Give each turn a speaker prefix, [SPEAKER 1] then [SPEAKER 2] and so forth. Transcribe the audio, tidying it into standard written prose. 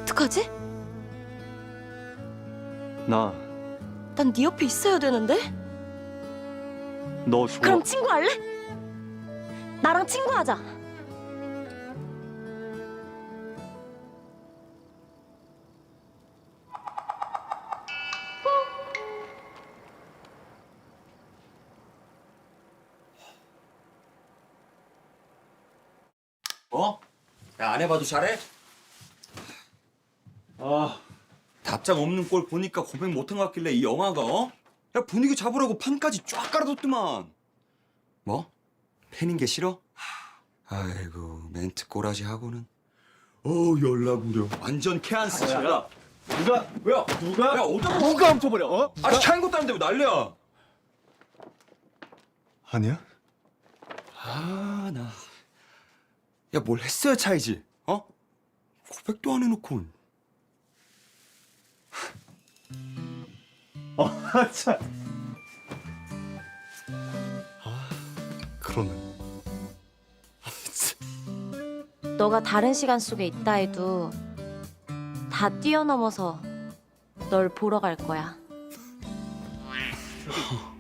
[SPEAKER 1] 어떡하지?
[SPEAKER 2] 나
[SPEAKER 1] 난 네 옆에 있어야 되는데?
[SPEAKER 2] 너 좋아.
[SPEAKER 1] 그럼 친구할래? 나랑 친구하자.
[SPEAKER 3] 어? 야, 안 해봐도 잘해?
[SPEAKER 2] 아,
[SPEAKER 3] 답장 없는 꼴 보니까 고백 못한 것 같길래 이 영화가 어? 야, 분위기 잡으라고 판까지 쫙 깔아뒀더만. 뭐? 팬인 게 싫어? 아이고, 멘트 꼬라지 하고는. 연락 우려. 완전 케안스.
[SPEAKER 2] 야, 누가
[SPEAKER 3] 야, 어디다
[SPEAKER 2] 누가 훔쳐버려? 어?
[SPEAKER 3] 아니, 차인 것도 아닌데 왜 난리야?
[SPEAKER 2] 아니야?
[SPEAKER 3] 아, 나. 야, 뭘 했어야 차이지? 어? 고백도 안 해놓고.
[SPEAKER 2] 참. 그러네.
[SPEAKER 1] 너가 다른 시간 속에 있다 해도 다 뛰어넘어서 널 보러 갈 거야.